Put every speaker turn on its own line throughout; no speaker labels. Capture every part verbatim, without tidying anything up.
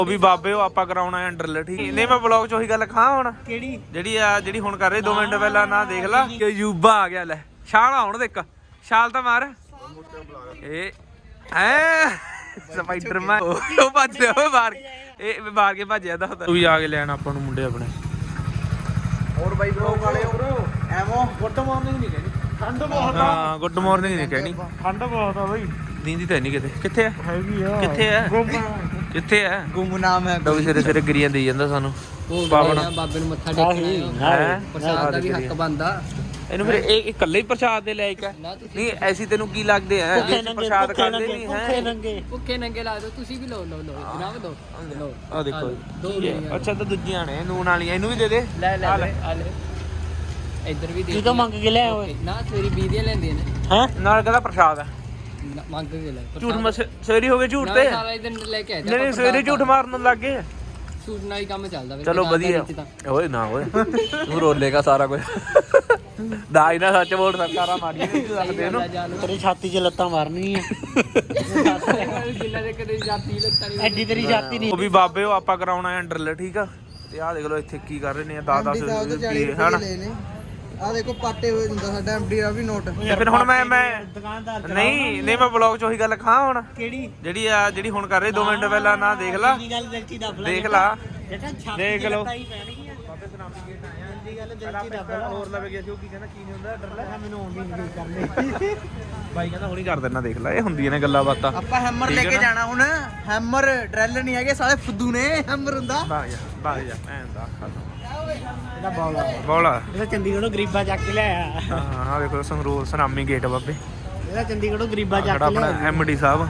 ਉਹ ਵੀ ਬਾਬੇ ਉਹ ਆਪਾਂ ਕਰਾਉਣਾ ਹੈ ਡਰਿਲ ਠੀਕ ਨਹੀਂ ਮੈਂ ਬਲੌਗ ਚ ਉਹੀ ਗੱਲ ਖਾਂ ਹੁਣ ਕਿਹੜੀ ਜਿਹੜੀ ਆ ਜਿਹੜੀ ਹੁਣ ਕਰ ਰਹੇ ਦੋ ਮਿੰਟ ਪਹਿਲਾਂ ਨਾ ਦੇਖ ਲਾ ਕਿ ਯੂਬਾ ਆ ਗਿਆ ਲੈ ਛਾਲ ਆਉਣ ਦੇ ਇੱਕ ਛਾਲ ਤਾਂ ਮਾਰ ਇਹ ਐ ਸਪਾਈਡਰਮੈਨ ਉਹ ਭੱਜ ਰਿਹਾ ਉਹ ਮਾਰ ਇਹ ਮਾਰ ਕੇ ਭੱਜ ਜਾਂਦਾ ਤੂੰ ਵੀ ਆ ਕੇ ਲੈਣ ਆਪਾਂ ਨੂੰ ਮੁੰਡੇ ਆਪਣੇ
ਹੋਰ ਬਾਈ ਬਲੌਗ ਵਾਲੇ ਐਵੋ ਗੁੱਡ ਮਾਰਨਿੰਗ ਨਹੀਂ ਕਹਿਣੀ ਠੰਡ ਬਹੁਤ ਆ
ਹਾਂ ਗੁੱਡ ਮਾਰਨਿੰਗ ਨਹੀਂ ਕਹਿਣੀ
ਠੰਡ ਬਹੁਤ ਆ ਬਾਈ
ਦੀਂਦੀ ਤਾਂ ਨਹੀਂ ਕਿਤੇ ਕਿੱਥੇ ਆ
ਹੈਗੀ ਆ
ਕਿੱਥੇ ਆ ਕਿੱਥੇ ਆ
ਗੁੰਮਨਾਮ ਹੈ
ਡੋਬੀ ਸਿਰੇ ਸਿਰੇ ਗਰੀਆਂ ਦੇਈ ਜਾਂਦਾ ਸਾਨੂੰ ਬਾਬਾ
ਬਾਬੇ ਨੂੰ ਮੱਥਾ ਟੇਕਣਾ
ਹੈ
ਪ੍ਰਸ਼ਾਦ ਦਾ ਵੀ ਹੱਕ ਬਣਦਾ
ਇਹਨੂੰ ਫਿਰ ਇਹ ਇਕੱਲੇ ਹੀ ਪ੍ਰਸ਼ਾਦ ਦੇ ਲਾਇਕ ਹੈ ਨਹੀਂ ਐਸੀ ਤੈਨੂੰ ਕੀ ਲੱਗਦੇ ਆ ਪ੍ਰਸ਼ਾਦ ਖਾਂਦੇ ਨਹੀਂ ਹੈ
ਭੁੱਖੇ ਨੰਗੇ ਲਾ ਦੋ ਤੁਸੀਂ ਵੀ ਲਓ ਲਓ ਲਓ ਜਨਾਬ ਦੋ ਲਓ
ਆ ਦੇਖੋ ਅੱਛਾ ਤਾਂ ਦੂਜੀਆਂ ਨੇ ਨੂਨ ਵਾਲੀਆਂ ਇਹਨੂੰ ਵੀ ਦੇ ਦੇ
ਲੈ ਲੈ ਆ ਲੈ ਇੱਧਰ ਵੀ ਦੇ
ਤੂੰ ਤਾਂ ਮੰਗ ਕੇ ਲੈ ਓਏ
ਨਾ ਸਵੇਰੀ ਵੀਹ ਦੀਆਂ ਲੈਂਦੀਆਂ ਨੇ
ਹੈ ਨਾਲ ਕਹਿੰਦਾ ਪ੍ਰਸ਼ਾਦ ਹੈ
ਮੰਗ ਕੇ ਲੈ
ਝੂਠ ਮਸ ਸਵੇਰੀ ਹੋ ਗਏ ਝੂਠ ਤੇ
ਸਾਰਾ ਦਿਨ ਲੈ ਕੇ ਆਇਆ
ਨਹੀਂ ਨਹੀਂ ਸਵੇਰੇ ਝੂਠ ਮਾਰਨ ਲੱਗ ਗਏ
ਝੂਠ ਨਾਲ ਹੀ ਕੰਮ ਚੱਲਦਾ ਵੇ
ਚਲੋ ਵਧੀਆ ਓਏ ਨਾ ਓਏ ਤੂੰ ਰੋਲੇਗਾ ਸਾਰਾ ਕੁਝ ਦਾਈ ਨਾ ਸੱਚ ਬੋਲ ਸਰਕਾਰਾਂ ਮਾਰੀਆਂ ਨਹੀਂ ਸਕਦੇ ਇਹਨੂੰ
ਤੇਰੀ ਛਾਤੀ 'ਚ ਲੱਤਾਂ ਮਾਰਨੀ ਆ
ਜਿੰਨਾ ਦੇ ਕਦੇ ਜਾਤੀ ਲੱਤਾਂ ਨਹੀਂ
ਐਡੀ ਤੇਰੀ ਛਾਤੀ ਨਹੀਂ
ਉਹ ਵੀ ਬਾਬੇ ਉਹ ਆਪਾਂ ਕਰਾਉਣਾ ਹੈ ਡਰਿਲ ਠੀਕ ਆ ਤੇ ਆਹ ਦੇਖ ਲਓ ਇੱਥੇ ਕੀ ਕਰ ਰਹੇ ਨੇ ਦਸ ਦਸ ਰੁਪਏ ਹਨਾ
ਆ ਦੇਖੋ ਪਾਟੇ ਹੋਏ ਹੁੰਦਾ ਸਾਡਾ ਐਮਡੀ ਆ ਵੀ ਨੋਟ
ਤੇ ਫਿਰ ਹੁਣ ਮੈਂ ਮੈਂ
ਦੁਕਾਨਦਾਰ
ਨਹੀਂ ਨਹੀਂ ਮੈਂ ਬਲੌਗ ਚ ਉਹੀ ਗੱਲ ਖਾਂ ਹੁਣ
ਕਿਹੜੀ
ਜਿਹੜੀ ਆ ਜਿਹੜੀ ਹੁਣ ਕਰ ਰਹੇ ਦੋ ਮਿੰਟ ਪਹਿਲਾਂ ਨਾ ਦੇਖ ਲਾ
ਗੱਲ ਦਿਲ 'ਚ ਦੱਬ
ਦੇਖ ਲਾ
ਬੇਟਾ ਛਾਤੀ
ਦੇਖ ਲਓ
ਹੀ ਪੈਣਗੀਆਂ ਬਾਬੇ ਸੁਨਾਮੀ ਗੇਟ ਆਇਆ ਦੀ ਗੱਲ ਦਿਲ 'ਚ ਦੱਬ ਲਾ
ਹੋਰ ਲਵੇ ਗਿਆ ਸੀ ਉਹ ਕੀ ਕਹਿੰਦਾ ਕੀ ਨਹੀਂ ਹੁੰਦਾ ਡਰ
ਮੈਨੂੰ ਆਉਂਦੀ ਨਹੀਂ ਕਰਨੀ
ਬਾਈ ਕਹਿੰਦਾ ਹੁਣੀ ਕਰ ਦੇਣਾ ਦੇਖ ਲੈ ਇਹ ਹੁੰਦੀਆਂ ਨੇ ਗੱਲਾਂ ਬਾਤਾਂ
ਆਪਾਂ ਹੈਮਰ ਲੈ ਕੇ ਜਾਣਾ ਹੁਣ ਹੈਮਰ ਡਰੈਲ ਨਹੀਂ ਹੈਗੇ ਸਾਲੇ ਫੁੱਦੂ ਨੇ ਹੈਮਰ ਹੁੰਦਾ
ਬਾਗ ਜਾ ਬਾਗ ਜਾ ਐਂ ਦਾ
ਇਹਦਾ ਬੌਲਾ
ਬੋਲਾ
ਇਹਦਾ ਚੰਡੀਗੜ੍ਹੋਂ ਗਰੀਬਾ ਚੱਕ ਕੇ ਲਿਆਇਆ
ਹਾਂ ਆ ਦੇਖੋ ਸੰਗਰੂਰ ਸੁਨਾਮੀ ਗੇਟ ਬਾਬੇ
ਇਹਦਾ ਚੰਡੀਗੜ੍ਹੋਂ ਗਰੀਬਾ ਚੱਕ
ਜਿਹੜਾ
ਕੇ
ਆਪਣਾ
ਲਿਆਇਆ
ਐਮਡੀ ਸਾਹਿਬ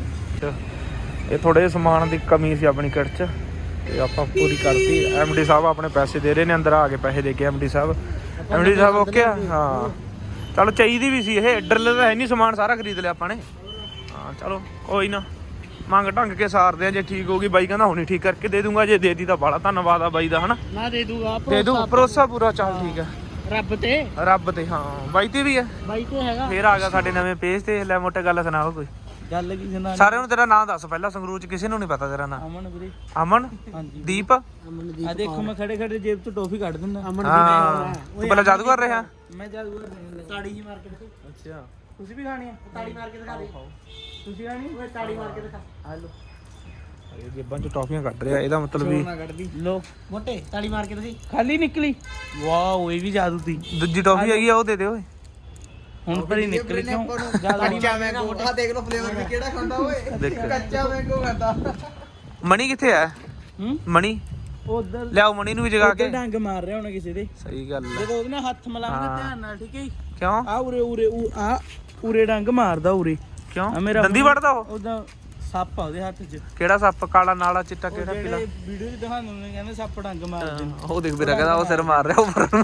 ਇਹ ਥੋੜੇ ਸਮਾਨ ਦੀ ਕਮੀ ਸੀ ਆਪਣੀ ਕਿਟ ਚ ਤੇ ਆਪਾਂ ਪੂਰੀ ਕਰਤੀ ਐਮਡੀ ਸਾਹਿਬ ਆਪਣੇ ਪੈਸੇ ਦੇ ਰਹੇ ਨੇ ਅੰਦਰ ਆ ਕੇ ਪੈਸੇ ਦੇ ਕੇ ਐਮਡੀ ਸਾਹਿਬ ਐਮਡੀ ਸਾਹਿਬ ਓਕੇ ਆ ਹਾਂ ਚਲੋ ਚਾਹੀਦੀ ਵੀ ਸੀ ਇਹ ਡਰਿਲ ਦਾ ਹੈ ਨਹੀਂ ਸਮਾਨ ਸਾਰਾ ਖਰੀਦ ਲਿਆ ਆਪਾਂ ਨੇ ਹਾਂ ਚਲੋ ਕੋਈ ਨਾ ਮੰਗ ਢੰਗ ਕੇ ਸਾਰਦੇ ਆ ਜੇ ਠੀਕ ਹੋਗੀ ਬਾਈ ਕਹਿੰਦਾ ਹੁਣੀ ਠੀਕ ਕਰਕੇ ਦੇ ਦੂੰਗਾ ਜੇ ਦੇਤੀ ਤਾਂ ਬੜਾ ਧੰਨਵਾਦ ਆ ਬਾਈ ਦਾ ਹਨਾ
ਨਾ ਦੇ ਦੂਗਾ
ਦੇ ਦੂ ਭਰੋਸਾ ਪੂਰਾ ਚੱਲ ਠੀਕ ਆ
ਰੱਬ ਤੇ
ਰੱਬ ਤੇ ਹਾਂ ਬਾਈ ਤੇ ਵੀ ਆ
ਬਾਈ ਤੇ ਹੈਗਾ
ਫੇਰ ਆ ਗਿਆ ਸਾਡੇ ਨਵੇਂ ਪੇਜ ਤੇ ਲੈ ਮੋਟੇ ਗੱਲ ਸੁਣਾਓ ਕੋਈ
ਗੱਲ ਕੀ ਸੁਣਾ
ਸਾਰਿਆਂ ਨੂੰ ਤੇਰਾ ਨਾਮ ਦੱਸ ਪਹਿਲਾਂ ਸੰਗਰੂਰ ਚ ਕਿਸੇ ਨੂੰ ਨਹੀਂ ਪਤਾ ਤੇਰਾ ਨਾਮ
ਅਮਨ ਵੀਰੇ
ਅਮਨ
ਹਾਂਜੀ
ਦੀਪ
ਆ ਦੇਖੋ ਮੈਂ ਖੜੇ ਖੜੇ ਜੇਬ ਤੋਂ ਟੋਫੀ ਕੱਢ ਦਿੰਦਾ ਅਮਨ
ਹਾਂ ਤੂੰ ਪਹਿਲਾਂ ਜਾਦੂ ਕਰ ਰਿਹਾ
ਮੈਂ ਜਾਦੂਗਰ ਨਹੀਂ ਤਾੜੀ ਜੀ ਮਾਰਕੀਟ ਤੋਂ
ਅੱਛਾ
ਤੁਸੀਂ ਵੀ ਖਾਣੀ ਹੈ ਤਾੜੀ ਮਾਰ ਕੇ ਦਿਖਾ ਦੇ ਤੁਸੀਂ ਖਾਣੀ ਓਏ ਤਾੜੀ ਮਾਰ ਕੇ ਦਿਖਾ ਆ ਲੋ
ਇਹ ਜੇਬਾਂ ਚ ਟੌਫੀਆਂ ਕੱਢ ਰਿਹਾ ਇਹਦਾ ਮਤਲਬ ਵੀ
ਕੱਢਦੀ ਲੋ ਮੋਟੇ ਤਾੜੀ ਮਾਰ ਕੇ ਤੁਸੀਂ
ਖਾਲੀ ਨਿਕਲੀ
ਵਾਓ ਇਹ ਵੀ ਜਾਦੂ ਦੀ
ਦੂਜੀ ਟੌਫੀ ਹੈਗੀ ਆ ਉਹ ਦੇ ਦੇ ਓਏ
ਹੁਣ ਪਰ ਹੀ ਨਿਕਲੀ ਕਿਉਂ
ਕੱਚਾ ਮੈਂਗੋ ਆ ਦੇਖ ਲਓ ਫਲੇਵਰ ਵੀ ਕਿਹੜਾ ਖਾਂਦਾ ਓਏ ਕੱਚਾ ਮੈਂਗੋ ਖਾਂਦਾ
ਮਣੀ ਕਿੱਥੇ ਆ
ਹੂੰ
ਮਣੀ
ਉਧਰ
ਲਿਆਓ ਮਣੀ ਨੂੰ ਵੀ ਜਗਾ ਕੇ
ਡੰਗ ਮਾਰ ਰਿਹਾ ਹੋਣਾ ਕਿਸੇ ਦੇ
ਸਹੀ ਗੱਲ ਹੈ
ਜਦੋਂ ਉਹਦੇ ਨਾਲ ਹੱਥ ਮਿਲਾਉਂਗਾ ਧਿਆਨ ਨਾਲ ਠੀਕ ਹੈ
ਕਿਉਂ
ਆ ਉਰੇ ਉਰੇ ਆ ਉਰੇ ਡੰਗ ਮਾਰਦਾ ਉਰੇ
ਕਿਉਂ
ਆ ਮੇਰਾ
ਦੰਦੀ ਵੜਦਾ ਉਹ
ਉਹਦਾ ਸੱਪ ਆ ਉਹਦੇ ਹੱਥ 'ਚ
ਕਿਹੜਾ ਸੱਪ ਕਾਲਾ ਨਾਲਾ ਚਿੱਟਾ ਕਿਹੜਾ ਪੀਲਾ
ਵੀਡੀਓ 'ਚ ਦਿਖਾਉਂਦੇ ਨੇ ਕਹਿੰਦੇ ਸੱਪ ਡੰਗ ਮਾਰਦੇ ਨੇ
ਉਹ ਦੇਖ ਵੀਰਾ ਕਹਿੰਦਾ ਉਹ ਸਿਰ ਮਾਰ ਰਿਹਾ ਉੱਪਰ ਨੂੰ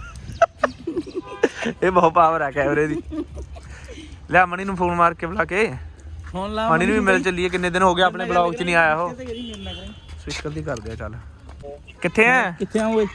ਇਹ ਬਹੁਤ ਪਾਵਰ ਆ ਕੈਮਰੇ ਦੀ ਲੈ ਮਣੀ ਨੂੰ ਫੋਨ ਮਾਰ ਕੇ ਬੁਲਾ ਕੇ
ਫੋਨ ਲਾ
ਮਣੀ ਨੂੰ ਵੀ ਮਿਲ ਚੱਲੀਏ ਕਿੰਨੇ ਦਿਨ ਹੋ ਗਏ ਆਪਣੇ ਬਲੌਗ 'ਚ ਨਹੀਂ ਆਇਆ ਉਹ
ਕਿਤੇ ਕਰੀ ਮੇਰੇ ਨਾਲ ਕਰੀ
ਸਵਿਕਰ ਦੀ ਕਰਦੇ ਆ ਚੱਲ ਕਿੱਥੇ ਆ
ਕਿੱਥੇ ਆ ਓਏ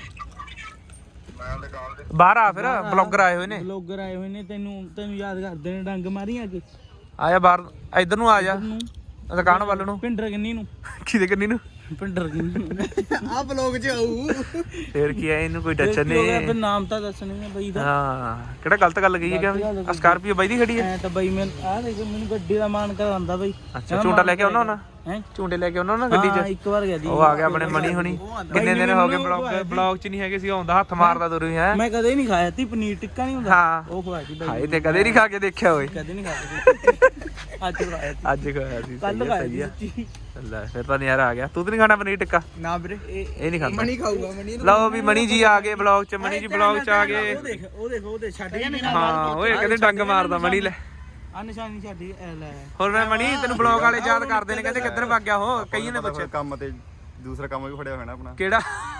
ਬਾਹਰ ਆ ਫਿਰ ਬਲੌਗਰ ਆਏ ਹੋਏ ਨੇ
ਬਲੌਗਰ ਆਏ ਹੋਏ ਨੇ ਤੈਨੂੰ ਤੈਨੂੰ ਯਾਦ ਕਰਦੇ ਨੇ ਡੰਗ ਮਾਰੀ ਆ ਕੇ
ਆਇਆ ਬਾਹਰ ਇੱਧਰ ਨੂੰ ਆ ਜਾ
ਨੂੰ
ਦੁਕਾਨ ਵੱਲ ਨੂੰ
ਪਿੰਡਰ ਕਿੰਨੀ ਨੂੰ
ਕਿਹਦੇ ਕੰਨੀ ਨੂੰ
ਪਿੰਡਰ ਕਿੰਨੀ
ਆ ਬਲੌਗ 'ਚ ਆਊ
ਫੇਰ ਕੀ ਆ ਇਹਨੂੰ ਕੋਈ ਟੱਚ
ਨਹੀਂ
ਨਹੀਂ
ਨਾਮ ਤਾਂ ਦੱਸਣੀ ਹੈ ਬਈ ਦਾ
ਹਾਂ ਕਿਹੜਾ ਗਲਤ ਗੱਲ ਕਹੀ ਹੈ ਕਿ ਆ ਸਕਾਰਪੀਓ ਬਾਈ ਦੀ ਖੜੀ ਹੈ
ਐ ਤਾਂ ਬਈ ਮੈਂ ਆ ਦੇਖ ਮੈਨੂੰ ਗੱਡੀ ਦਾ ਮਾਨ ਕਰਾਂਦਾ ਬਈ
ਅੱਛਾ ਝੂਟਾ ਲੈ ਕੇ ਆਉਣਾ ਨਾ
ਹੈ
ਝੂਟੇ ਲੈ ਕੇ ਆਉਣਾ ਨਾ ਗੱਡੀ 'ਚ
ਹਾਂ ਇੱਕ ਵਾਰ ਗਿਆ ਦੀ
ਉਹ ਆ ਗਿਆ ਆਪਣੇ ਮਣੀ ਹੁਣੀ ਕਿੰਨੇ ਦਿਨ ਹੋ ਗਏ ਬਲੌਗ ਬਲੌਗ 'ਚ ਨਹੀਂ ਹੈਗੇ ਸੀ ਆਉਂਦਾ ਹੱਥ ਮਾਰਦਾ ਤੁਰ ਹੈ
ਮੈਂ ਕਦੇ ਨਹੀਂ ਖਾਇਆ ਤੀ ਪਨੀਰ ਟਿੱਕਾ ਨਹੀਂ ਹੁੰਦਾ
ਹਾਂ
ਉਹ ਖਵਾਈ ਸੀ ਬਈ
ਹਾਏ ਤੇ ਕਦੇ ਨਹੀਂ ਖਾ ਕੇ ਦੇਖਿਆ ਓਏ
ਕਦੇ ਨਹੀਂ ਖਾਇਆ ਅੱਜ ਖਾਇਆ ਸੀ
ਅੱਜ ਖਾਇਆ ਸੀ
ਕੱਲ ਖਾਇਆ ਸੀ
ਲੈ ਫਿਰ ਤਾਂ ਨਜ਼ਾਰਾ ਆ ਗਿਆ ਤੂੰ ਤਾਂ ਨਹੀਂ ਖਾਣਾ ਪਨੀਰ ਟਿੱਕਾ
ਨਾ ਵੀਰੇ
ਇਹ ਨਹੀਂ ਖਾਂਦਾ
ਮਣੀ ਖਾਊਗਾ ਮਣੀ
ਲਓ ਵੀ ਮਣੀ ਜੀ ਆ ਗਏ ਬਲੌਗ 'ਚ ਮਣੀ ਜੀ ਬਲੌਗ 'ਚ ਆ ਗਏ
ਉਹ ਦੇਖ ਉਹ ਦੇਖ ਉਹ ਦੇਖ ਛੱਡ ਗਿਆ ਮੇਰਾ
ਹਾਂ ਓਏ ਕਹਿੰਦੇ ਡੰਗ ਮਾਰਦਾ ਮਣੀ ਲੈ
ਆ ਨਿਸ਼ਾਨੀ ਛੱਡੀ ਐ ਲੈ
ਹੋਰ ਮੈਂ ਮਣੀ ਤੈਨੂੰ ਬਲੌਗ ਵਾਲੇ ਯਾਦ ਕਰਦੇ ਨੇ ਕਹਿੰਦੇ ਕਿੱਧਰ ਭੱਗ ਗਿਆ ਉਹ ਕਈਆਂ ਨੇ ਪੁੱਛਿਆ
ਕੰਮ ਤੇ ਦੂਸਰਾ ਕੰਮ ਵੀ ਫੜਿਆ ਹੋਇਆ ਨਾ ਆਪਣਾ
ਕਿਹੜਾ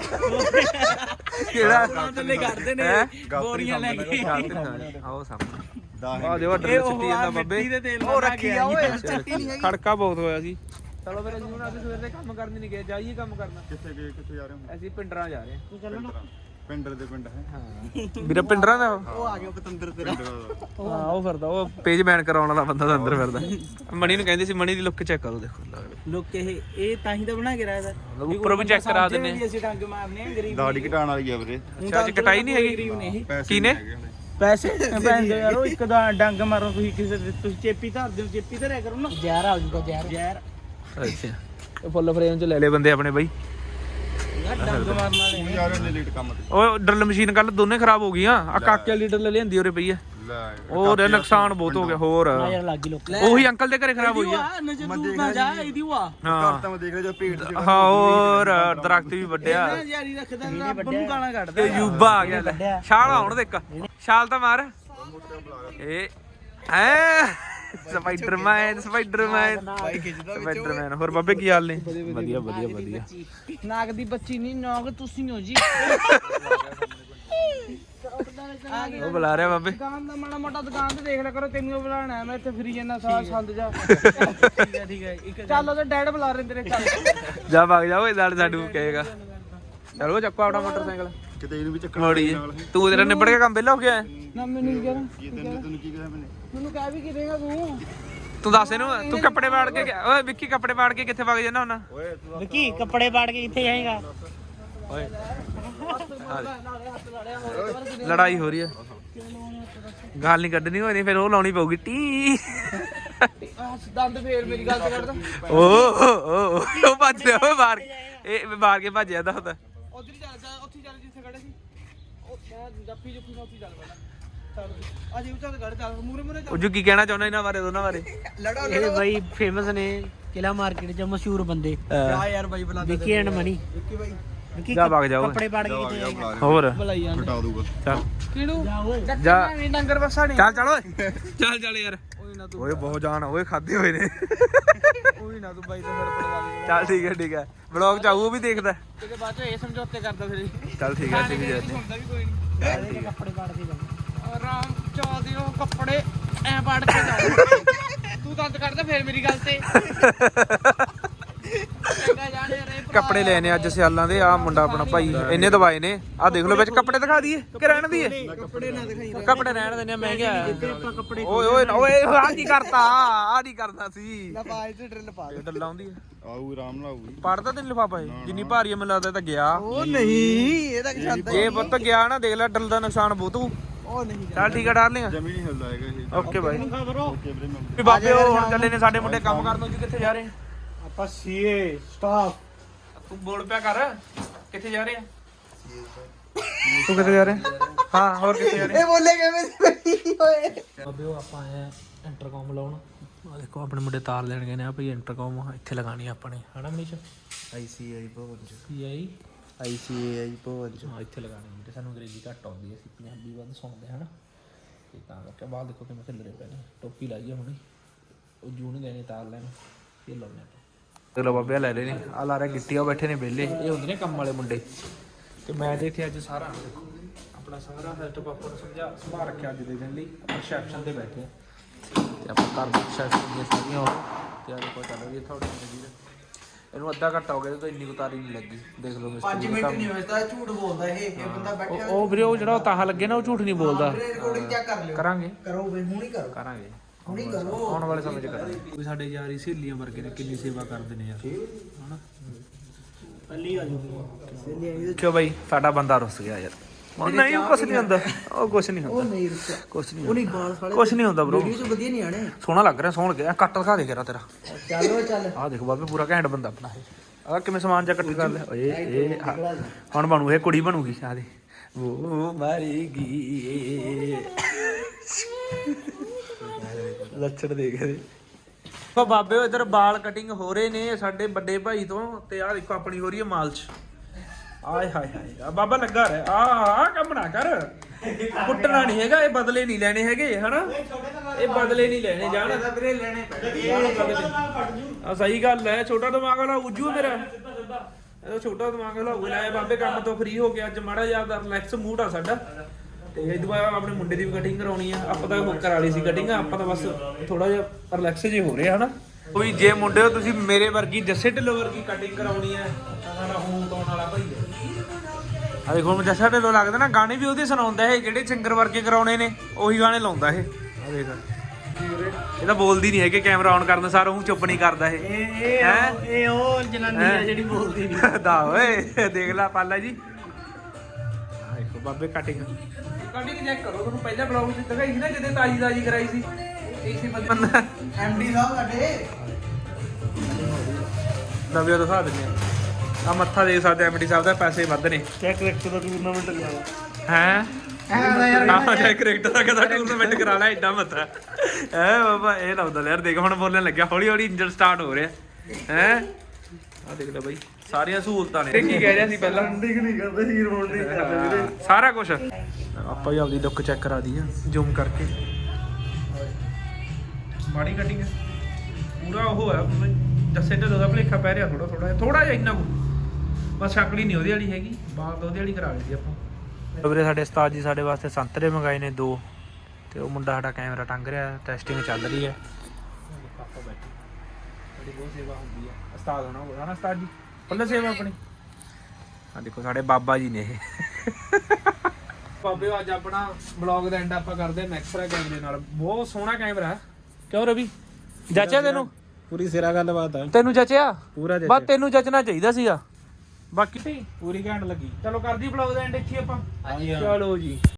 ਕਿਹੜਾ
ਥੱਲੇ ਕਰਦੇ ਨੇ
ਹੈਂ?
ਬੋਰੀਆਂ ਲੈ ਕੇ
ਆਓ ਸਾਹਮਣੇ
ਦਾ
ਆ ਦੇਖੋ ਡਰ ਸਿੱਟੀ ਜਾਂਦਾ ਬੱਬੇ
ਦੇ ਤੇਲ
ਉਹ ਰੱਖੀ ਆ ਓਏ ਚੱਟੀ ਨਹੀਂ ਹੈਗੀ
ਖੜਕਾ ਬਹੁਤ ਹੋਇਆ ਸੀ ਚਲੋ ਫਿਰ ਅਸੀਂ ਹੁਣ ਅੱਜ ਸਵੇਰ ਦੇ ਕੰਮ ਕਰਨ ਨਹੀਂ ਗਏ ਜਾਈਏ ਕੰਮ ਕਰਨਾ
ਕਿੱਥੇ ਗਏ ਕਿੱਥੇ ਜਾ ਰਹੇ ਹੋ
ਅਸੀਂ ਪਿੰਡਰਾਂ ਜਾ ਰਹੇ
ਤੂੰ ਚੱਲ ਨਾ
ਪਿੰਡਰ ਦੇ ਪਿੰਡ ਹੈ
ਵੀਰੇ ਪਿੰਡਰਾਂ ਦਾ ਉਹ
ਉਹ ਆ ਗਿਆ ਪਤੰਦਰ ਤੇਰਾ
ਹਾਂ ਉਹ ਫਿਰਦਾ ਉਹ ਪੇਜ ਬੈਨ ਕਰਾਉਣ ਵਾਲਾ ਬੰਦਾ ਤਾਂ ਅੰਦਰ ਫਿਰਦਾ ਮਣੀ ਨੂੰ ਕਹਿੰਦੇ ਸੀ ਮਣੀ ਦੀ ਲੁੱਕ ਚੈੱਕ ਕਰੋ ਦੇਖੋ
ਲੋਕ ਇਹ ਇਹ ਤਾਂ ਹੀ ਤਾਂ ਬਣਾ ਕੇ ਰਾਇਦਾ
ਉੱਪਰੋਂ ਵੀ ਚੈੱਕ ਕਰਾ ਦਿੰਨੇ
ਵੀ ਅਸੀਂ ਡੰਗ ਮਾਰਨੇ ਆ ਗਰੀਬ
ਦਾੜੀ ਘਟਾਉਣ ਵਾਲੀ ਆ ਵੀਰੇ
ਅੱਛਾ ਅੱਜ ਕਟਾਈ ਨਹੀਂ ਹੈਗੀ
ਪੈਸੇ
ਕੀ ਨੇ?
ਨਹੀਂ ਹੈਗੇ ਹਲੇ।
ਪੈਸੇ ਪੈਂਦੇ ਯਾਰ ਉਹ ਇੱਕ ਦਾ ਡੰਗ ਮਾਰੋ ਤੁਸੀਂ ਕਿਸੇ ਦੇ ਤੁਸੀਂ ਚੇਪੀ ਧਰਦੇ ਹੋ ਚੇਪੀ ਧਰਿਆ ਕਰੋ ਨਾ ਜ਼ਹਿਰ ਆ ਜੂਗਾ ਜ਼ਹਿਰ ਜ਼ਹਿਰ
ਅੱਛਾ ਇਹ ਫੁੱਲ ਫਰੇਮ ਚ ਲੈ ਲੈ ਬੰਦੇ ਆਪਣੇ ਬਾਈ
ਯਾਰ ਡੰਗ ਮਾਰਨ ਵਾਲੇ
ਤੂੰ ਯਾਰ ਇਹਨੇ ਲੇਟ ਕੰਮ ਤੇ
ਉਹ ਡਰਲ ਮਸ਼ੀਨ ਕੱਲ ਦੋਨੇ ਖਰਾਬ ਹੋ ਗਈਆਂ ਆ ਕਾਕੇ ਵਾਲੀ ਡਰਲ ਲਿਆਂਦੀ ਉਰੇ ਪਈ ਆ
ਲੈ
ਹੋਰ ਇਹ ਨੁਕਸਾਨ ਬਹੁਤ ਹੋ ਗਿਆ ਹੋਰ
ਯਾਰ ਲੱਗੀ ਲੋਕ
ਉਹੀ ਅੰਕਲ ਦੇ ਘਰੇ ਖਰਾਬ ਹੋਈ ਆ
ਨਜ਼ਰ ਦੂਰ ਨਾ ਜਾ ਇਹਦੀ ਵਾ
ਹਾਂ
ਘਰ ਤਾਂ ਮੈਂ ਦੇਖ ਰਿਹਾ ਜੋ ਭੇਡ ਚ
ਹਾਂ ਹੋਰ ਦਰਖਤ ਵੀ ਵੱਡਿਆ
ਇਹ ਜਾਰੀ ਰੱਖਦਾ ਰੱਬ ਨੂੰ ਗਾਲਾਂ
ਤੇ
ਕੱਢਦਾ
ਯੂਬਾ ਆ ਗਿਆ ਲੈ ਛਾਲ ਆਉਣ ਦੇ ਇੱਕ ਛਾਲ ਤਾਂ ਮਾਰ ਇਹ ਐ ਸਪਾਈਡਰਮੈਨ ਸਪਾਈਡਰਮੈਨ
ਬਾਈ ਖਿੱਚਦਾ
ਸਪਾਈਡਰਮੈਨ ਹੋਰ ਬਾਬੇ ਕੀ ਹਾਲ ਨੇ ਵਧੀਆ ਵਧੀਆ ਵਧੀਆ
ਨਾਗ ਦੀ ਬੱਚੀ ਨਹੀਂ ਨਾਗ ਤੁਸੀਂ ਹੋ ਜੀ
ਉਹ ਬੁਲਾ ਰਿਹਾ ਬਾਬੇ
ਦੁਕਾਨ ਦਾ ਮਾੜਾ ਮੋਟਾ ਦੁਕਾਨ ਤੇ ਦੇਖ ਲਿਆ ਕਰੋ ਤੈਨੂੰ ਬੁਲਾਣਾ ਮੈਂ ਇੱਥੇ ਫਰੀ ਜਾਂਦਾ ਸਾਰਾ ਸੰਦ ਜਾ ਠੀਕ ਹੈ ਠੀਕ ਹੈ ਇੱਕ ਚੱਲ ਉਹਦੇ ਡੈਡ ਬੁਲਾ ਰਹੇ ਤੇਰੇ ਚੱਲ
ਜਾ ਭਾਗ ਜਾ ਓਏ ਨਾਲ ਸਾਡੂ ਕਹੇਗਾ ਚਲੋ ਚੱਕੋ ਆਪਣਾ ਮੋਟਰਸਾਈਕਲ
ਕਿਤੇ ਇਹਨੂੰ ਵੀ ਚੱਕਰ
ਮੋੜੀ ਤੂੰ ਤੇਰਾ ਨਿਬੜ ਕੇ ਕੰਮ ਵਿਹਲਾ ਹੋ ਗਿਆ
ਨਾ ਮੈਨੂੰ ਕੀ ਕਹਿਣਾ
ਕੀ ਤੈਨੂੰ ਤੈਨੂੰ ਕੀ ਕਿਹਾ ਮੈਨੇ
ਮੈਨੂੰ ਕਹਿ ਵੀ ਕੀ ਦੇਗਾ ਤੂੰ
ਤੂੰ ਦੱਸ ਇਹਨੂੰ ਤੂੰ ਕੱਪੜੇ ਪਾੜ ਕੇ ਗਿਆ- ਓਏ ਵਿੱਕੀ ਕੱਪੜੇ ਪਾੜ ਕੇ ਕਿੱਥੇ ਵਗ ਜਾਣਾ ਹੁੰਨਾ
ਓਏ ਤੂੰ
ਵਿੱਕੀ ਕੱਪੜੇ ਪਾੜ ਕੇ ਕਿੱਥੇ ਜਾਏਗਾ
ਓਏ ਲੜਾਈ ਹੋ ਰਹੀ ਹੈ ਗੱਲ ਨਹੀਂ ਕੱਢਣੀ ਹੋਈ ਨਹੀਂ ਫਿਰ ਉਹ ਲਾਉਣੀ ਪਊਗੀ ਟੀ
ਦੰਦ ਫੇਰ ਮੇਰੀ ਗੱਲ ਤੇ ਕੱਢਦਾ
ਓ ਓ ਉਹ ਭੱਜ ਰਿਹਾ ਓਏ ਮਾਰ ਇਹ ਮਾਰ ਕੇ ਭੱਜ ਜਾਂਦਾ ਹੁੰਦਾ
ਉਧਰ ਹੀ ਚੱਲ ਜਾ ਉੱਥੇ ਚੱਲ ਜਿੱਥੇ ਖੜੇ ਸੀ ਉਹ ਮੈਂ ਜੱਫੀ ਜੁੱਫੀ ਨਾਲ ਉੱਥੇ ਚੱਲ ਪਹਿਲਾਂ ਚੱਲ ਅਜੇ ਉੱਚਾ ਤੇ ਗੜ ਚੱਲ ਮੂਰੇ ਮੂਰੇ
ਉਹ ਜੋ ਕੀ ਕਹਿਣਾ ਚਾਹੁੰਦਾ ਇਹਨਾਂ ਬਾਰੇ ਦੋਨਾਂ ਬਾਰੇ
ਲੜੋ
ਇਹ ਬਾਈ ਫੇਮਸ ਨੇ ਕਿਲਾ ਮਾਰਕੀਟ 'ਚ ਮਸ਼ਹੂਰ ਬੰਦੇ
ਆ ਯਾਰ ਬਾਈ ਬੁਲਾ
ਵਿੱਕੀ ਐਂਡ ਮਨੀ
ਵਿੱਕੀ ਬਾਈ
ਵਿੱਕੀ
ਜਾ ਵਗ ਜਾ ਓਏ
ਕੱਪੜੇ ਪਾੜ ਕੇ
ਜਾ
ਕਿੱਥੇ
ਜਾ
ਜਾਏਗਾ
ਬੁਲਾ
ਹੋਰ
ਬੁਲਾਈ ਜਾਂਦੇ
ਹਟਾ ਦੂਗਾ
ਚੱਲ
ਕਿਹਨੂੰ
ਜਾ ਓਏ
ਜਾ
ਮੈਂ ਡੰਗਰ ਵਸਾ ਨਹੀਂ
ਚੱਲ ਚੱਲ ਓਏ ਚੱਲ ਚੱਲ ਯਾਰ
ਓਏ ਨਾ ਤੂੰ
ਓਏ ਬਹੁਤ ਜਾਨ ਓਏ ਖਾਦੇ ਹੋਏ ਨੇ
ਓਏ ਨਾ ਤੂੰ ਬਾਈ ਤੇ ਫਿਰ ਪੜਵਾ ਲਈ
ਚੱਲ ਠੀਕ ਹੈ ਠੀਕ ਹੈ ਵਲੌਗ ਚ ਆਊ ਉਹ ਵੀ ਦੇਖਦਾ
ਕਿਤੇ ਬਾਅਦ ਚ ਇਹ ਸਮਝੌਤੇ ਕਰਦਾ ਫਿਰ
ਚੱਲ ਠੀਕ ਹੈ ਠੀਕ ਹੈ
ਹੁੰਦਾ ਵੀ ਕੋਈ ਨਹੀਂ
ਕੱਪੜੇ ਪਾੜ ਕੇ ਜਾਣਾ
ਆਰਾਮ ਚਾਹਦੇ ਉਹ ਕੱਪੜੇ ਐ ਪਾੜ ਕੇ ਜਾਓ ਤੂੰ ਦੰਦ ਕੱਢਦਾ ਫੇਰ ਮੇਰੀ ਗੱਲ ਤੇ ਚੰਗਾ ਜਾਣੇ ਰੇ
ਕੱਪੜੇ ਲੈਣੇ ਅੱਜ ਸਿਆਲਾਂ ਦੇ ਆ ਮੁੰਡਾ ਆਪਣਾ ਭਾਈ ਇਹਨੇ ਦਵਾਏ ਨੇ ਆ ਦੇਖ ਲਓ ਵਿੱਚ ਕੱਪੜੇ ਦਿਖਾ ਦਈਏ ਕਿ ਰਹਿਣ ਦਈਏ
ਕੱਪੜੇ ਨਾ ਦਿਖਾਈ
ਕੱਪੜੇ ਰਹਿਣ ਦਿੰਦੇ ਆ ਮਹਿੰਗੇ ਆ
ਆਪਾਂ ਕੱਪੜੇ
ਓਏ ਓਏ ਓਏ ਆ ਕੀ ਕਰਤਾ ਆ ਨਹੀਂ ਕਰਦਾ ਸੀ
ਨਾ ਬਾਜ ਤੇ ਡਰਿਲ ਪਾ
ਇਹ ਡੱਲਾ ਆਉਂਦੀ ਆ
ਆਊ ਆਰਾਮ ਨਾਲ ਆਊਗੀ
ਪੜਦਾ ਤੈਨੂੰ ਲਿਫਾਫਾ ਇਹ ਜਿੰਨੀ ਭਾਰੀ ਆ ਮੈਨੂੰ ਲੱਗਦਾ ਇਹ ਤਾਂ ਗਿਆ
ਉਹ ਨਹੀਂ ਇਹ ਤਾਂ ਛੱਡ
ਜੇ ਪੁੱਤ ਗਿਆ ਨਾ ਦੇਖ ਲੈ ਡੱਲ ਦਾ ਨੁਕਸਾਨ ਬਹੁਤ ਹੋਊ
ਉਹ ਨਹੀਂ
ਚੱਲ ਠੀਕ ਆ ਡਾਰਲਿੰਗ
ਜਮੀ ਨਹੀਂ ਹਿਲਦਾ ਹੈਗਾ ਇਹ
ਓਕੇ ਬਾਈ
ਓਕੇ ਵੀਰੇ ਮੈਂ
ਵੀ ਬਾਬੇ ਉਹ ਹੁਣ ਚੱਲੇ ਨੇ ਸਾਡੇ ਮੁੰਡੇ ਕੰਮ ਕਰਨ ਨੂੰ ਜੀ ਕਿੱਥੇ ਜਾ ਰਹੇ
ਆਪਾਂ ਸੀਏ ਸਟਾਫ
ਤੂੰ ਬੋਲ ਪਿਆ ਕਰ ਕਿੱਥੇ ਜਾ ਰਹੇ ਆ ਤੂੰ ਕਿੱਥੇ ਜਾ ਰਿਹਾ ਹਾਂ ਹੋਰ ਕਿੱਥੇ ਜਾ ਰਹੇ
ਇਹ ਬੋਲੇ ਕਿਵੇਂ ਸੀ ਓਏ
ਬਾਬੇ ਉਹ ਆਪਾਂ ਆਏ ਆ ਇੰਟਰਕਮ ਲਾਉਣ ਆ ਦੇਖੋ ਆਪਣੇ ਮੁੰਡੇ ਤਾਰ ਲੈਣ ਗਏ ਨੇ ਆ ਭਈ ਇੰਟਰਕਮ ਇੱਥੇ ਲਗਾਣੀ ਆਪਣੇ ਹਨਾ ਮਨੀਸ਼
ਆਈਸੀਆਈ ਭਵਨ ਚ
ਕੀ ਆਈ
ਆਈਸੀਆਈ ਭਵਨ ਚ
ਹਾਂ ਇੱਥੇ ਲਗਾਣੀ ਤੇ ਸਾਨੂੰ ਅੰਗਰੇਜ਼ੀ ਘੱਟ ਆਉਂਦੀ ਹੈ ਅਸੀਂ ਪੰਜਾਬੀ ਵੱਧ ਸੁਣਦੇ ਹਨਾ ਤੇ ਤਾਂ ਕਰਕੇ ਬਾਅਦ ਦੇਖੋ ਕਿਵੇਂ ਖਿਲਰੇ ਪਏ ਨੇ ਟੋਪੀ ਲਾਈ ਆ ਹੁਣੇ ਉਹ ਜੂਨ ਗਏ ਨੇ ਤਾਰ ਲੈਣ ਇਹ ਲਾਉਣੇ ਆਪਾਂ ਚਲੋ ਬਾਬੇ ਲੈ ਰਹੇ ਨੇ ਆ ਲਾ ਰਿਹਾ ਗਿੱਟੀਆਂ ਬੈਠੇ ਨੇ ਵਿਹਲੇ ਇਹ ਹੁੰਦੇ ਨੇ ਕੰਮ ਵਾਲੇ ਮੁੰਡੇ ਤੇ ਮੈਂ ਤੇ ਇੱਥੇ ਅੱਜ ਸਾਰਾ ਦੇਖੋ ਆਪਣਾ ਸਾਰਾ ਸੈਟਅਪ ਆਪਾਂ ਨੂੰ ਸਮਝਾ ਸੰਭਾਲ ਰੱਖਿਆ ਅੱਜ ਦੇ ਦਿਨ ਲਈ ਆਪਾਂ ਰਿਸੈਪਸ਼ਨ ਤੇ ਬੈਠੇ ਆ ਤੇ ਆਪਾਂ ਘਰ ਦੀ ਰਿਸੈਪਸ਼ਨ ਦੀਆਂ ਸਾਰੀਆਂ ਹੋ ਤੇ ਆ ਦੇਖੋ ਚੱਲ ਰਹੀ ਹੈ ਤੁਹਾਡੀ ਜ਼ਿੰਦਗੀ ਦਾ ਇਹਨੂੰ ਅੱਧਾ ਘੰਟਾ ਹੋ ਗਿਆ ਤੇ ਇੰਨੀ ਉਤਾਰੀ ਨਹੀਂ ਲੱਗੀ ਦੇਖ ਲਓ
ਪੰਜ ਮਿੰਟ ਨਹੀਂ ਹੋਏ ਤਾਂ ਝੂਠ ਬੋਲਦਾ ਇਹ ਇਹ ਬੰਦਾ ਬੈਠਿਆ
ਉਹ ਵੀਰੇ ਉਹ ਜਿਹੜਾ ਉਹ ਤਾਹਾ ਲੱਗੇ ਨਾ ਉਹ ਝੂਠ ਨਹੀਂ ਬੋਲਦਾ
ਰਿਕਾਰਡਿੰਗ ਚੈੱਕ ਕਰ ਲਿਓ
ਕਰਾਂਗੇ
ਕਰੋ ਬਈ ਹੁਣ ਹੀ ਕਰੋ
ਕਰਾਂਗੇ
ਹੁਣ ਹੀ ਕਰੋ
ਆਉਣ ਵਾਲੇ ਸਮੇਂ 'ਚ ਕਰਾਂਗੇ ਕੋਈ ਸਾਡੇ ਯਾਰੀ ਸਹੇਲੀਆਂ ਵਰਗੇ ਨੇ ਕਿੰਨੀ ਸੇਵਾ ਕਰਦੇ ਨੇ ਯਾਰ ਹਨਾ
ਪਹਿਲੀ ਆ ਜੂਗੀ
ਕਿਉਂ ਬਾਈ ਸਾਡਾ ਬੰਦਾ ਰੁੱਸ ਗਿਆ ਯਾਰ ਉਹ ਨਹੀਂ ਉਹ ਕੁਛ ਨਹੀਂ ਹੁੰਦਾ ਉਹ ਕੁਛ ਨਹੀਂ
ਉਹ
ਹੁੰਦਾ
ਨਹੀਂ ਰੁਕਿਆ
ਕੁਛ ਨਹੀਂ
ਉਹ ਨਹੀਂ ਬਾਲ ਸਾਲੇ
ਕੁਛ ਨਹੀਂ ਹੁੰਦਾ ਬ్రో
ਵੀਡੀਓ ਚ ਵਧੀਆ ਨਹੀਂ ਆਣੇ
ਸੋਹਣਾ ਲੱਗ ਰਿਹਾ ਸੋਹਣ ਗਿਆ ਕੱਟ ਦਿਖਾ ਦੇ ਕਰਾ ਤੇਰਾ
ਚੱਲੋ ਚੱਲ
ਆਹ ਦੇਖੋ ਬਾਬੇ ਪੂਰਾ ਘੈਂਟ ਬੰਦਾ ਆਪਣਾ ਇਹ ਆਹ ਕਿਵੇਂ ਸਮਾਨ ਜਾ ਕੱਟ ਕਰ ਲਿਆ ਓਏ ਇਹ ਹਾਂ, ਹੁਣ ਬਣੂ ਇਹ ਕੁੜੀ ਬਣੂਗੀ ਆਹ ਦੇ ਉਹ ਮਾਰੇਗੀ ਲੱਛਣ ਦੇਖ ਦੇ ਉਹ ਬਾਬੇ ਇਧਰ ਵਾਲ ਕਟਿੰਗ ਹੋ ਰਹੇ ਨੇ ਸਾਡੇ ਵੱਡੇ ਭਾਈ ਤੋਂ ਤੇ ਆਹ ਦੇਖੋ ਆਪਣੀ ਹੋ ਰਹੀ ਹੈ ਮਾਲਚ ਆਏ ਹਾਏ ਹਾਏ ਆ ਬਾਬਾ ਲੱਗਾ ਰਿਹਾ ਆ ਆ ਕੰਮ ਨਾ ਕਰ ਕੁੱਟਣਾ ਨਹੀਂ ਹੈਗਾ ਇਹ ਬਦਲੇ ਨਹੀਂ ਲੈਣੇ ਹੈਗੇ ਹਨਾ ਇਹ ਬਦਲੇ ਨਹੀਂ ਲੈਣੇ ਜਾਣ
ਵੀਰੇ ਲੈਣੇ ਪੈਣੇ
ਆ ਸਹੀ ਗੱਲ ਹੈ ਛੋਟਾ ਦਿਮਾਗ ਵਾਲਾ ਉੱਜੂ ਮੇਰਾ ਇਹ ਛੋਟਾ ਦਿਮਾਗ ਵਾਲਾ ਹੋ ਗਿਆ ਬਾਬੇ ਕੰਮ ਤੋਂ ਫ੍ਰੀ ਹੋ ਗਿਆ ਅੱਜ ਮਾੜਾ ਜਿਹਾ ਰਿਲੈਕਸ ਮੂਡ ਆ ਸਾਡਾ ਤੇ ਇਹ ਦੁਬਾਰਾ ਆਪਣੇ ਮੁੰਡੇ ਦੀ ਵੀ ਕਟਿੰਗ ਕਰਾਉਣੀ ਆ ਆਪਾਂ ਤਾਂ ਉਹ ਕਰਾ ਲਈ ਸੀ ਕਟਿੰਗ ਆਪਾਂ ਤਾਂ ਬਸ ਥੋੜਾ ਜਿਹਾ ਰਿਲੈਕਸ ਜੇ ਹੋ ਰਿਹਾ ਹਨਾ ਕੋਈ ਜੇ ਮੁੰਡਿਓ ਤੁਸੀਂ ਮੇਰੇ ਵਰਗੀ ਜੱਸੇ ਢਿੱਲੋਂ ਵਰਗੀ ਕਟਿੰਗ ਕਰਾਉਣੀ ਹੈ ਤਾਂ ਸਾਡਾ ਹੋਮ ਟਾਊਨ ਵਾਲਾ ਭਾਈ ਹੈ। ਆ ਦੇਖੋ ਹੁਣ ਜੱਸਾ ਢਿੱਲੋਂ ਲੱਗਦਾ ਨਾ, ਗਾਣੇ ਵੀ ਉਹਦੇ ਸੁਣਾਉਂਦਾ ਇਹ, ਜਿਹੜੇ ਸਿੰਗਰ ਵਰਗੇ ਕਰਾਉਣੇ ਨੇ ਉਹੀ ਗਾਣੇ ਲਾਉਂਦਾ ਇਹ। ਆ ਦੇਖ ਇਹ ਤਾਂ ਬੋਲਦੀ ਨਹੀਂ ਹੈਗੇ, ਕੈਮਰਾ ਆਨ ਕਰਨ ਸਾਰ ਉਹ ਚੁੱਪ ਨਹੀਂ ਕਰਦਾ ਇਹ।
ਇਹ
ਹੈਂ?
ਇਹ ਉਹ ਜਨਾਨੀ ਆ ਜਿਹੜੀ ਬੋਲਦੀ ਨਹੀਂ।
ਦਾ ਓਏ ਦੇਖ ਲੈ ਪਾਲਾ ਜੀ, ਆ ਦੇਖੋ ਬਾਬੇ ਕਟਿੰਗ
ਕਟਿੰਗ ਚੈੱਕ ਕਰੋ, ਤੁਹਾਨੂੰ ਪਹਿਲਾਂ ਬਲੌਗ ਚ ਦਿਖਾਈ ਸੀ ਨਾ ਜਦੋਂ ਤਾਜੀ ਤਾਜੀ ਕਰਾਈ ਸੀ, ਇਸੇ ਬੰਦੇ
ਐਮਡੀ ਸਾਹਿਬ ਸਾਡੇ
ਨਵੀਂ ਦਿਖਾ ਦਿੰਦੇ ਆ। ਆ ਮੱਥਾ ਦੇਖ ਸਕਦੇ ਐਮਡੀ ਸਾਹਿਬ ਦਾ, ਪੈਸੇ ਵੱਧ ਨੇ।
ਚੈੱਕ ਰੈਕਟ ਦਾ ਟੂਰਨਾਮੈਂਟ ਕਰਾਵਾ
ਹੈ ਆਹ ਜੇ ਕ੍ਰਿਕਟ ਦਾ ਕਦਾ ਟੂਰਨਾਮੈਂਟ ਕਰਾ ਲੈ, ਐਡਾ ਮੱਥਾ ਹੈ ਬਾਬਾ। ਇਹ ਲਾਉਂਦਾ ਯਾਰ, ਦੇਖ ਹੁਣ ਬੋਲਣ ਲੱਗਿਆ, ਹੌਲੀ ਹੌਲੀ ਇੰਜਨ ਸਟਾਰਟ ਹੋ ਰਿਹਾ ਹੈ। ਆ ਦੇਖ ਲੈ ਬਾਈ, ਸਾਰੀਆਂ ਸਹੂਲਤਾਂ ਨੇ। ਕੀ ਕਹਿ ਰਿਹਾ ਸੀ ਪਹਿਲਾਂ?
ਠੀਕ ਨਹੀਂ ਕਰਦੇ ਹੀਰ ਮੋਡ ਨਹੀਂ ਕਰਦੇ ਵੀਰੇ।
ਸਾਰਾ ਕੁਝ ਆਪਾਂ ਹੀ ਆਪਦੀ ਲੁੱਕ ਚੈੱਕ ਕਰਾ ਦੀ ਆ ਜ਼ੂਮ ਕਰਕੇ। ਮਾੜੀ ਕਟਿੰਗ ਪੂਰਾ ਉਹ ਹੈ, ਜੱਸੇ ਢਿੱਲੋਂ ਦਾ ਭਲੇਖਾ ਪੈ ਰਿਹਾ ਥੋੜਾ ਥੋੜਾ ਥੋੜਾ ਜਿਹਾ, ਇੰਨਾ ਕੁ ਬਸ। ਸ਼ਕਲ ਹੀ ਨਹੀਂ ਉਹਦੀ ਵਾਲੀ ਹੈਗੀ, ਬਾਤ ਉਹਦੀ ਵਾਲੀ ਕਰਾ ਲਈ ਸੀ ਆਪਾਂ। ਵੀਰੇ ਸਾਡੇ ਉਸਤਾਦ ਜੀ ਸਾਡੇ ਵਾਸਤੇ ਸੰਤਰੇ ਮੰਗਾਏ ਨੇ ਦੋ, ਤੇ ਉਹ ਮੁੰਡਾ ਸਾਡਾ ਕੈਮਰਾ ਟੰਗ ਰਿਹਾ, ਟੈਸਟਿੰਗ ਚੱਲ ਰਹੀ ਹੈ। ਪਾਪਾ ਬੈਠੇ, ਬੜੀ ਬਹੁਤ ਸੇਵਾ ਹੁੰਦੀ ਹੈ ਉਸਤਾਦ ਹੋਣਾ ਹੋਣਾ ਨਾ ਉਸਤਾਦ ਜੀ, ਪੱਲੇ ਸੇਵਾ ਆਪਣੀ। ਆ ਦੇਖੋ ਸਾਡੇ ਬਾਬਾ ਜੀ ਨੇ ਇਹ। ਬਾਬੇ ਅੱਜ ਆਪਣਾ ਬਲੌਗ ਦਾ ਐਂਡ ਆਪਾਂ ਕਰਦੇ ਹਾਂ ਮੈਕਸਰਾ ਕੈਮਰੇ ਨਾਲ। ਬਹੁਤ ਸੋਹਣਾ ਕੈਮਰਾ ਹੈ, ਕਿਉਂ ਰਵੀ? ਜੱਚਿਆ ਤੈਨੂੰ?
ਪੂਰੀ ਸਿਰਾ ਗੱਲਬਾਤ ਆ,
ਤੈਨੂੰ ਜੱਚਿਆ?
ਪੂਰਾ
ਬਸ ਤੈਨੂੰ ਜੱਚਣਾ ਚਾਹੀਦਾ ਸੀਗਾ, ਬਾਕੀ
ਪੂਰੀ ਘੈਂਟ ਲੱਗੀ।
ਚਲੋ ਕਰਦੀ ਬਲੌਗ ਦਾ ਐਂਡ ਇੱਥੇ ਆਪਾਂ।
ਹਾਂਜੀ ਹਾਂ।
ਚਲੋ ਜੀ।